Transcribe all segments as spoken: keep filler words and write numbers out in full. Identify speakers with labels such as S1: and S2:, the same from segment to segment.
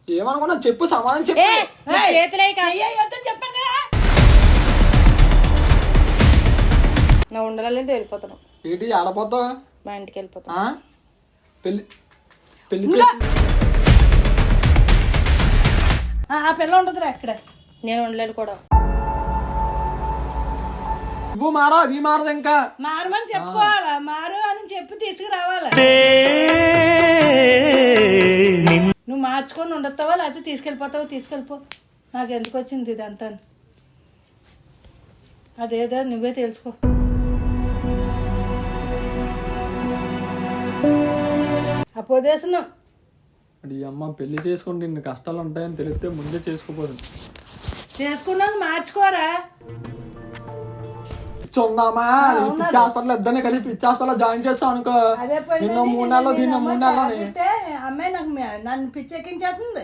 S1: ఏమనుకున్నా చెప్పు, సమాధానం చెప్పు.
S2: చెప్పాను కదా
S3: నా ఉండాలని వెళ్ళిపోతాను.
S1: ఏంటి ఆడపోతావు?
S3: మా ఇంటికి వెళ్ళిపోతా.
S1: పెళ్లి పెళ్లి
S2: ఆ పిల్ల ఉంటుందిరా అక్కడ.
S3: నేను ఉండలేను కూడా.
S1: నువ్వు మారా, అది మారదు. ఇంకా
S2: మారమని చెప్పుకోవాలా, మారు అని చెప్పి తీసుకురావాలా. నువ్వు మార్చుకొని ఉండొస్తావా లేకపోతే తీసుకెళ్ళిపోతావో తీసుకెళ్ళిపో. నాకు ఎందుకు వచ్చింది ఇదంతా, అదేదో నువ్వే తెలుసుకో. అపోదేశను
S1: అమ్మ పెళ్లి చేసుకుంటే ఇన్ని కష్టాలు ఉంటాయని తెలిస్తే ముందే చేసుకోపోదు.
S2: చేసుకున్నాక మార్చుకోరా.
S1: ఉందామా పిచ్చి హాస్పిటల్ ఇద్దరిని కలిపి పిచ్చి హాస్పిటల్ జాయిన్ చేస్తాం అనుకో. నిన్న మూడు నెలలు దీన్ని మూడు నెలలు
S2: అమ్మాయి నాకు నన్ను పిచ్చెక్కించేస్తుంది.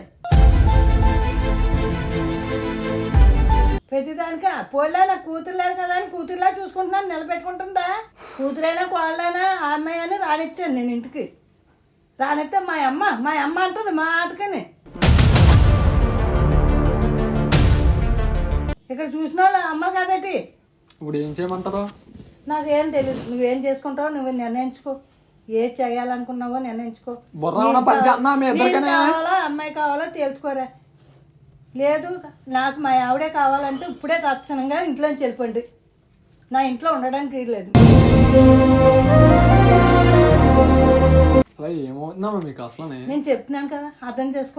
S2: ప్రతిదానికి పోలే నాకు కూతురు లేదు కదా అని కూతురులా చూసుకుంటున్నాను, నిలబెట్టుకుంటుందా? కూతురైనా కోళ్ళైనా ఆ అమ్మాయి అని రానిచ్చాను నేను ఇంటికి. రానిస్తే మా అమ్మ మా అమ్మ అంటుంది మా ఆటకని. ఇక్కడ చూసిన వాళ్ళు అమ్మ కాదటి.
S1: ఇప్పుడు ఏం చేయమంటారు?
S2: నాకేం తెలియదు. నువ్వేం చేసుకుంటావో నువ్వు నిర్ణయించుకో. ఏది చేయాలనుకున్నావో నిర్ణయించుకో. కావాలా అమ్మాయి కావాలో తెలుసుకోరా. లేదు నాకు మా ఆవిడే కావాలంటే ఇప్పుడే తక్షణంగా ఇంట్లోంచి వెళ్ళిపోండి. నా ఇంట్లో ఉండడానికి లేదు.
S1: ఏమవుతుందమ్మా మీకు అసలు?
S2: నేను చెప్తున్నాను కదా, అర్థం చేసుకో.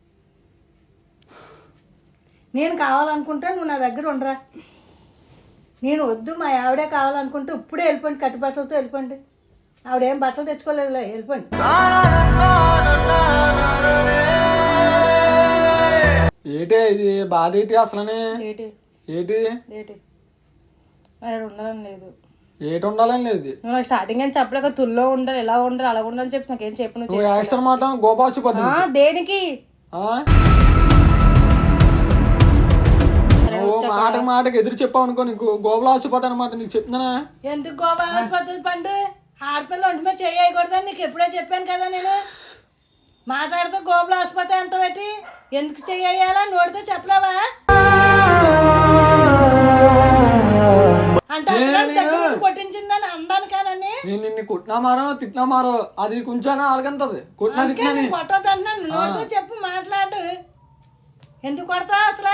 S2: నేను కావాలనుకుంటే నువ్వు నా దగ్గర ఉండరా. నేను వద్దు మా ఆవిడే కావాలనుకుంటే ఇప్పుడే వెళ్ళిపోండి, కట్టుబట్టలతో వెళ్ళిపోండి. ఆవిడేం బట్టలు తెచ్చుకోలేదులే, వెళ్ళిపోండి.
S1: ఏటే ఇది బాధ ఏంటి అసలు?
S3: ఏంటి
S1: ఏంటి
S3: ఏంటి మరి ఉండాలని లేదు.
S1: ఏటి ఉండాలని లేదు.
S3: నువ్వు స్టార్టింగ్ అని చెప్పలేక తుల్లో ఉండాలి, ఎలా ఉండాలి, అలా ఉండాలని చెప్పి నాకేం చెప్పు.
S1: నువ్వు యాక్టర్ మాట గోపాసి
S3: దేనికి
S1: మాట మాటకి ఎదురు చెప్పావు అనుకో, నీకు గోపాల ఆసిపోతా అనమాట. నీకు చెప్తున్నానా?
S2: ఎందుకు గోపాల ఆసుపత్రి పండు? ఆడపిల్ల ఒంటి మీద చేయకూడదని నీకు ఎప్పుడో చెప్పాను కదా నేను. మాట్లాడితే గోపాల ఆసుపత్రి అంటావేటి? ఎందుకు చెయ్యాలా నోడితే చెప్పలేవా? అంటే కొట్టించిందని అందాను కానని.
S1: నేను నిన్ను కొట్టినా మారో తిట్టినా మారో అది కొంచెం ఆలకంతది. కొట్టినా తిట్టినా
S2: కొట్టదు అంటున్నాను. నోడితో చెప్పు, మాట్లాడు. ఎందుకు కొడతావు అసలు?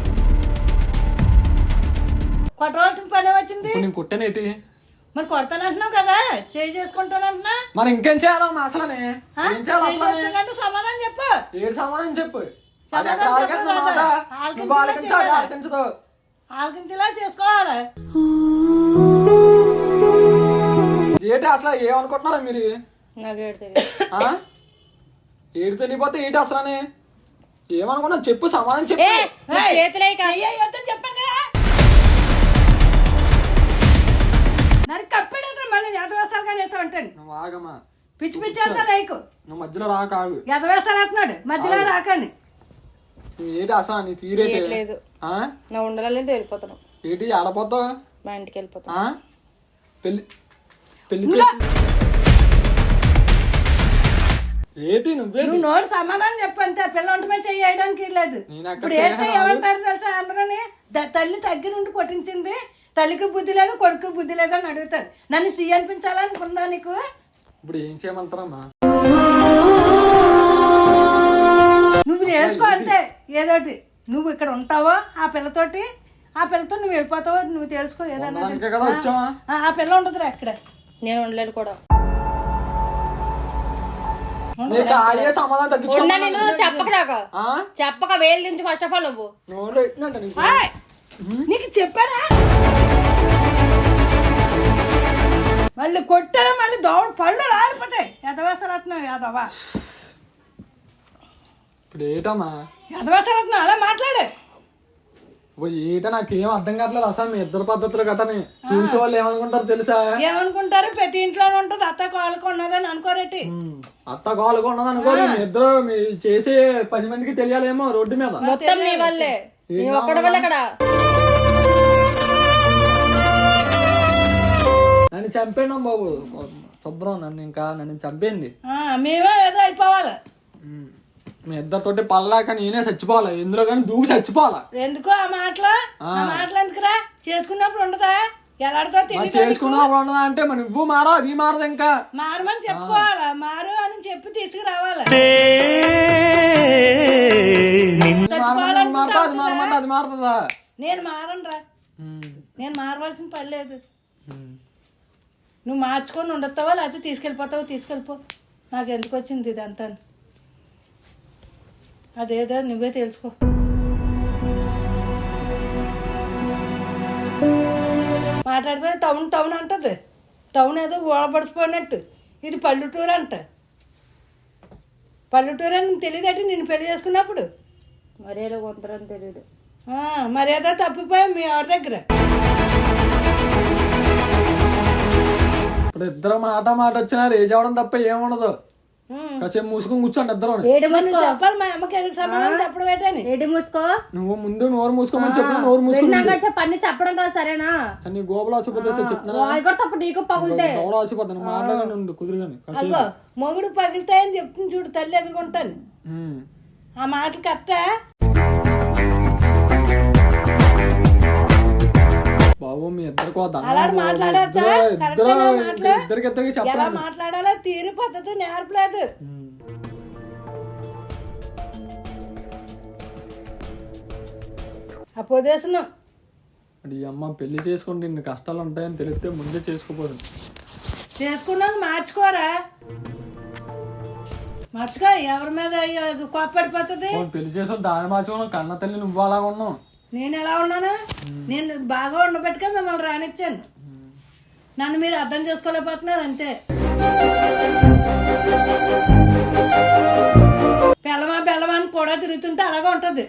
S2: కొట్టవలసిన పని వచ్చింది.
S1: నేను కొట్టానేటి?
S2: మరి కొడతానంటున్నావు కదా, చేయి చేసుకుంటానంటున్నా.
S1: మరి ఇంకేం చేయాలమ్మా అసలు?
S2: సమాధానం చెప్పు.
S1: ఏడు సమాధానం చెప్పు.
S2: ఆలకించేలా చేసుకోవాలి.
S1: ఏంటి అసలు ఏమనుకుంటున్నారా మీరు? ఏడు తెలియపోతే ఏంటి అసలు? ఏమనుకున్నా చెప్పు, సమాధానం చెప్పు.
S2: చెప్పాను కదా. నరికి కప్పెడతా మళ్ళీ ఎదవేసాలు కానీ వేసావంటాను.
S1: నువ్వు ఆగమ్మా,
S2: పిచ్చి పిచ్చి వేస్తాను నీకు.
S1: నువ్వు మధ్యలో రాక ఆగు.
S2: ఎదవేసాలు వేస్తున్నాడు మధ్యలో రాకని.
S1: ఏంటి అసలు నీ తీరేటి?
S3: నా ఉండాలని వెళ్ళిపోతాను.
S1: ఏంటి ఆడపోతావు?
S3: మా ఇంటికి వెళ్ళిపోతా.
S1: పెళ్లి పెళ్లి ఏంటి? నువ్వే
S2: నువ్వు నోడు సమాధానం చెప్పు అంతే. పిల్ల ఒంటి మీద చేయడానికి లేదు. ఇప్పుడు ఏంటో ఏమంటారు తెలుసా అందరూని? తల్లి తగ్గి నుండి కొట్టించింది, తల్లికి బుద్ధి లేదు కొడుకు బుద్ధి లేదు అని అడుగుతారు. నన్ను సీ అనిపించాలనుకుందా నీకు?
S1: ఇప్పుడు ఏం చేయమంటారమ్మా?
S2: నువ్వు నేర్చుకో అంతే ఏదోటి. నువ్వు ఇక్కడ ఉంటావో ఆ పిల్లతోటి, ఆ పిల్లతో నువ్వు వెళ్ళిపోతావో నువ్వు తెలుసుకో. ఏదన్నా ఆ పిల్ల ఉంటుందిరా అక్కడ.
S3: నేను ఉండలేను కూడా. చెప్పక నాకు చెప్పక వేలు నుంచి ఫస్ట్ ఆఫ్ ఆల్ నువ్వు
S2: నీకు చెప్పానా? మళ్ళీ కొట్టారా మళ్ళీ దోడ పళ్ళు రాలిపోతాయి. ఎదవేసలుతున్నావు యాదవా.
S1: ఇప్పుడు ఏటమ్మా
S2: ఎదవేసలుతున్నావు అలా మాట్లాడే.
S1: ఏట నాకేం అర్థం కావట్లేదు అసలు. మీ ఇద్దరు పద్ధతులు కదా చూసే వాళ్ళు ఏమనుకుంటారు తెలుసా?
S2: ఏమనుకుంటారు? ప్రతి ఇంట్లోనే ఉంటది అత్త కోళ్ళకు ఉన్నదని అనుకోరేటి.
S1: అత్త కోళ్ళకు ఉన్నది అనుకోరు. మీ ఇద్దరు మీ చేసే పది మందికి తెలియాలేమో రోడ్డు మీద.
S3: మొత్తం మీ వల్లే, ఒక్కడి వల్ల ఇక్కడ.
S1: నన్ను చంపేయండి బాబు శుభ్రం, నన్ను ఇంకా నన్ను చంపేయండి.
S2: మేమే ఏదో అయిపోవాలి.
S1: మీ ఇద్దరితోటి పల్లాక నేనే చచ్చిపోవాలా ఎందులో కానీ దూకి చచ్చిపోవాలా.
S2: ఎందుకో ఆ మాటలు ఆ మాటలు ఎందుకురా? చేసుకున్నప్పుడు ఉండదా? ఎలాడితో
S1: చేసుకున్నప్పుడు ఉండదా అంటే మరి నువ్వు మారా అది మారదు ఇంకా
S2: మారమని చెప్పుకోవాలా, మారు అని చెప్పి తీసుకురావాలా.
S1: మారుతా అది మారమంటే అది మారుతుందా?
S2: నేను మారనురా, నేను మారవలసిన పని లేదు. నువ్వు మార్చుకొని ఉండొస్తావా లేకపోతే తీసుకెళ్ళిపోతావో తీసుకెళ్ళిపో, నాకు ఎందుకు వచ్చింది ఇదంతా. అదేదో నువ్వే తెలుసుకో. మాట్లాడితే టౌన్ టౌన్ అంటది, టౌన్ ఏదో ఓడపడిచిపోయినట్టు. ఇది పల్లెటూరు అంట. పల్లెటూరు అని తెలియదట నేను పెళ్లి చేసుకున్నప్పుడు.
S3: మర్యాద కొంతరని తెలియదు.
S2: మర్యాద తప్పిపోయాం మీ ఆవిడ దగ్గర.
S1: ఇప్పుడు ఇద్దరు మాట మాట వచ్చినా రేజ్ అవడం తప్ప ఏముండదు. కాసేపు మూసుకొని కూర్చోండి ఇద్దరు.
S2: చెప్పాలి మా అమ్మకి ఎదురు సమాధానం చెప్పడం ఏంటని.
S3: ఏడి మూసుకో,
S1: నువ్వు ముందు నోరు మూసుకోమని చెప్పి నోరు మూసుకుని
S3: చెప్పండి చెప్పడం కాదు సరేనా.
S1: నీ గోపులు ఆసిపోతే
S3: చెప్తున్నా నీకు పగులుతాయి
S1: ఆసిపోతాను మాట్లాడండి కుదురుగాని.
S2: అదిగో మొగుడు పగులుతాయని చెప్తుంది చూడు తల్లి ఎదుర్కొంటాను. ఆ మాటలు కరెక్టా
S1: బాబు? మీ ఇద్దరికి
S2: అలా మాట్లాడచ్చా?
S1: ఇద్దరికి ఇద్దరికి
S2: ఎలా మాట్లాడాలో తీరు పద్ధతి నేర్పలేదు. అపోదేశం
S1: ఈ అమ్మ పెళ్లి చేసుకుంటే ఇన్ని కష్టాలు ఉంటాయని తెలిస్తే ముందే చేసుకోపోదు.
S2: చేసుకున్నాక మార్చుకోరా, మార్చుకో. ఎవరి మీద కోప్పడిపోతుంది?
S1: పెళ్లి చేసుకుని దాని మార్చుకున్నావు. కన్న తల్లి నువ్వు అలాగా ఉన్నావు.
S2: నేను ఎలా ఉన్నాను? నేను బాగా ఉండబెట్టుగా మిమ్మల్ని రానిచ్చాను. నన్ను మీరు అర్థం చేసుకోలేకపోతున్నారు అంతే. బెల్లమా బెల్లమా అని కూడా తిరుగుతుంటే అలాగే ఉంటది.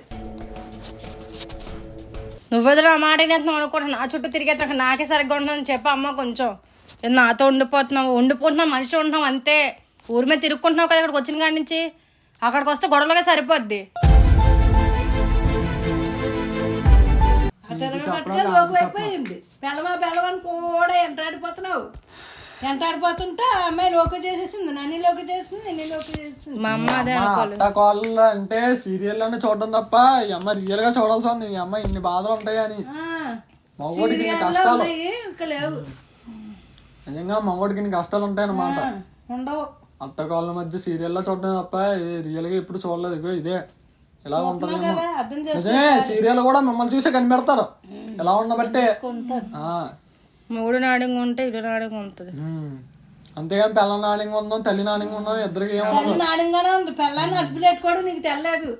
S3: నువ్వెదురు ఆ మాట అనుకుంటున్నా నా చుట్టూ తిరిగేట నాకే సరిగ్గా ఉంటుందని చెప్పి అమ్మ కొంచెం నాతో ఉండిపోతున్నావు ఉండిపోతున్నావు మనిషి ఉంటున్నావు అంతే. ఊరి మీద తిరుక్కుంటున్నావు కదా ఇక్కడికి వచ్చిన కాడి నుంచి. అక్కడికి వస్తే గొడవలుగా సరిపోద్ది.
S2: అయిపోయింది బెల్లమా బెల్లమని కూడా ఎంటాడిపోతున్నావు. ఎంటాడిపోతుంటే ఆ అమ్మాయి లోకి చేసేసింది, నన్ను లోకి చేసింది, నిన్ను లోకి చేసింది.
S3: మా అమ్మ అదే
S1: కాళ్ళు అంటే సీరియల్ లోనే చూడడం తప్ప ఈ అమ్మ రియల్ గా చూడాల్సి ఉంది. ఈ అమ్మ ఇన్ని బాధలు ఉంటాయి అని మగోడికి కష్టాలు
S2: లేవు.
S1: నిజంగా మగోడికి ఇన్ని కష్టాలు ఉంటాయి అన్నమాట.
S2: ఉండవు.
S1: అత్త కాళ్ళ మధ్య సీరియల్ లో చూడడం తప్ప రియల్ గా ఎప్పుడు చూడలేదు. ఇగో ఇదే ఎలా ఉంటది. నిజమే సీరియల్ కూడా మిమ్మల్ని చూసే కనిపెడతారు ఎలా ఉండబట్టే.
S3: మూడు నాడింగ్ ఉంటే ఇటు నాడింగ్ ఉంటుంది.
S1: అంతేగాని పిల్ల నాడింగ్ ఉందాం తల్లి నాడింగ్ ఉందాం ఇద్దరికి
S2: ఏమో నాడింగానే ఉంది. పిల్లని అడుపు పెట్టుకోవడం నీకు తెల్లలేదు.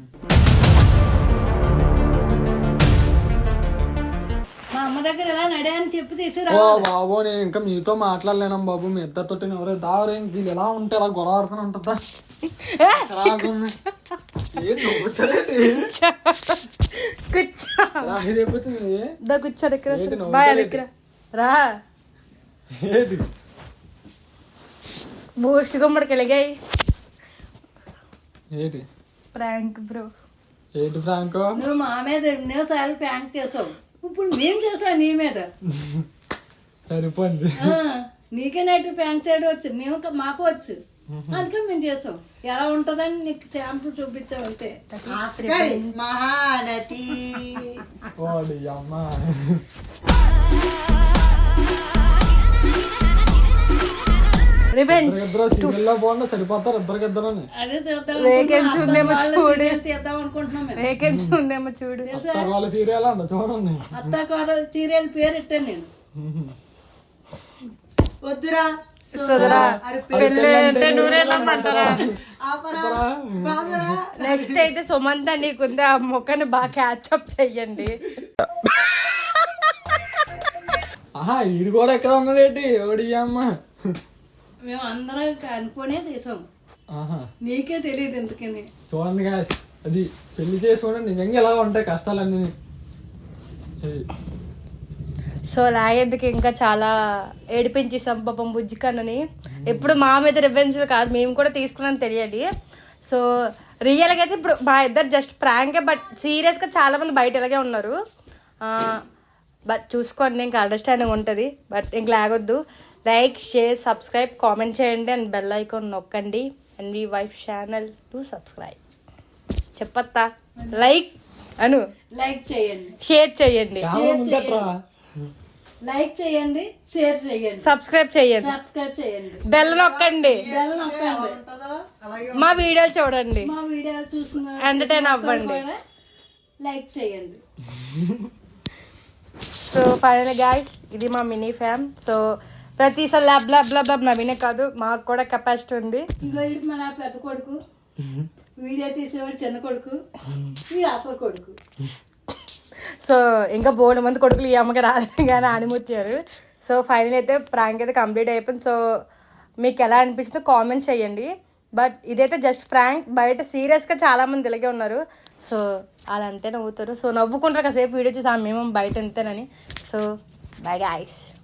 S2: మా అమ్మ దగ్గర ఎలా నడే అని చెప్పి తీసుకురా.
S1: ఓ బాబు నేను ఇంకా మీతో మాట్లాడలేను బాబు. మీ ఇద్దరితో ఎవరో దావరే వీళ్ళు ఎలా ఉంటే అలా గొడవ ఆడుతూనే ఉంటుందా?
S3: బూస్ట్ గుమ్మడికి వెలిగాయి.
S1: ఏంటి
S3: ప్రాంక్ బ్రో?
S1: ఏంటి ప్రాంక్?
S2: నువ్వు మా మీద ఎన్నోసార్లు ప్రాంక్ చేసావు, ఇప్పుడు మేము చేసావు నీ మీద.
S1: సరిపోయింది.
S2: నీకే నైట్ ప్రాంక్ చేయడం వచ్చు, మేము మాకు వచ్చు. అందుకే మేము చేసాం. ఎలా ఉంటదని నీకు శాంపుల్ చూపించాం అంతే. మహానటి
S1: సరిపోతారు ఇద్దరికిద్దరు.
S3: వేకెన్సీ ఉందేమో చూడు, వేకెన్సీ ఉందేమో చూడు.
S1: అత్తకాల సీరియల్ అంట చూడండి.
S2: అత్తకాల సీరియల్ పేరు ఇట్టాను నేను. వద్దురా
S3: నెక్స్ట్ అయితే సుమంత నీకుంది, ఆ మొక్కని బాగా క్యాచప్ చెయ్యండి.
S1: ఆహా ఈడు కూడా ఎక్కడ ఉన్నాడేంటి ఓడి అమ్మ?
S2: మేము అందరం అనుకునే చేసాం, నీకే తెలియదు ఎందుకని.
S1: చూడండి గాయస్, అది పెళ్లి చేసుకోవడం నిజంగా ఎలా ఉంటాయి కష్టాలన్నీ.
S3: సో లాగేందుకు ఇంకా చాలా ఏడిపించేసాం పాపం బుజ్జికన్నని. ఎప్పుడు మా మీద రివెంజ్ కాదు, మేము కూడా తీసుకున్నాం తెలియాలి. సో రియల్గా అయితే ఇప్పుడు మా ఇద్దరు జస్ట్ ప్రాంకే, బట్ సీరియస్గా చాలా మంది బయట ఇలాగే ఉన్నారు. బట్ చూసుకోండి, ఇంకా అండర్స్టాండింగ్ ఉంటుంది. బట్ ఇంక లాగొద్దు. లైక్, షేర్, సబ్స్క్రైబ్, కామెంట్ చేయండి అండ్ బెల్ ఐకాన్ నొక్కండి. అండ్ మీ వైఫ్ ఛానల్ టు సబ్స్క్రైబ్. చెప్పత్తా లైక్ అను
S2: లైక్ చేయండి,
S3: షేర్ చేయండి,
S2: లైక్ చేయండి, షేర్ చేయండి,
S3: సబ్స్క్రైబ్ చేయండి,
S2: సబ్స్క్రైబ్ చేయండి,
S3: బెల్ నొక్కండి,
S2: బెల్ నొక్కండి,
S3: మా వీడియోలు చూడండి,
S2: మా వీడియోలు చూసిన
S3: ఎంటర్టైన్ అవ్వండి,
S2: లైక్ చేయండి.
S3: సో ఫైనల్ గాయ్స్ ఇది మా మినీ ఫ్యామ్. సో ప్రతిసారి ల్యాబ్ ల్యాబ్ ల్యాబ్ ల్యాబ్ నవీనే కాదు, మాకు కూడా కెపాసిటీ ఉంది.
S2: ఇంకో వీడు మన పెద్ద కొడుకు, వీడియో తీసేవాడు చిన్న కొడుకు, వీడు అసలు కొడుకు.
S3: సో ఇంకా బోర్డు మంది కొడుకులు ఈ అమ్మకి రాలేదు కానీ ఆనిముత్యారు. సో ఫైనల్ అయితే ప్రాంక్ అయితే కంప్లీట్ అయిపోయింది. సో మీకు ఎలా అనిపిస్తుందో కామెంట్స్ చేయండి. బట్ ఇదైతే జస్ట్ ప్రాంక్, బయట సీరియస్గా చాలామంది ఇలాగే ఉన్నారు. సో అలా అంతే నవ్వుతారు. సో నవ్వుకుంటారు కాసేపు వీడియో చూసి మేము బయట ఎంతేనని. So by guys.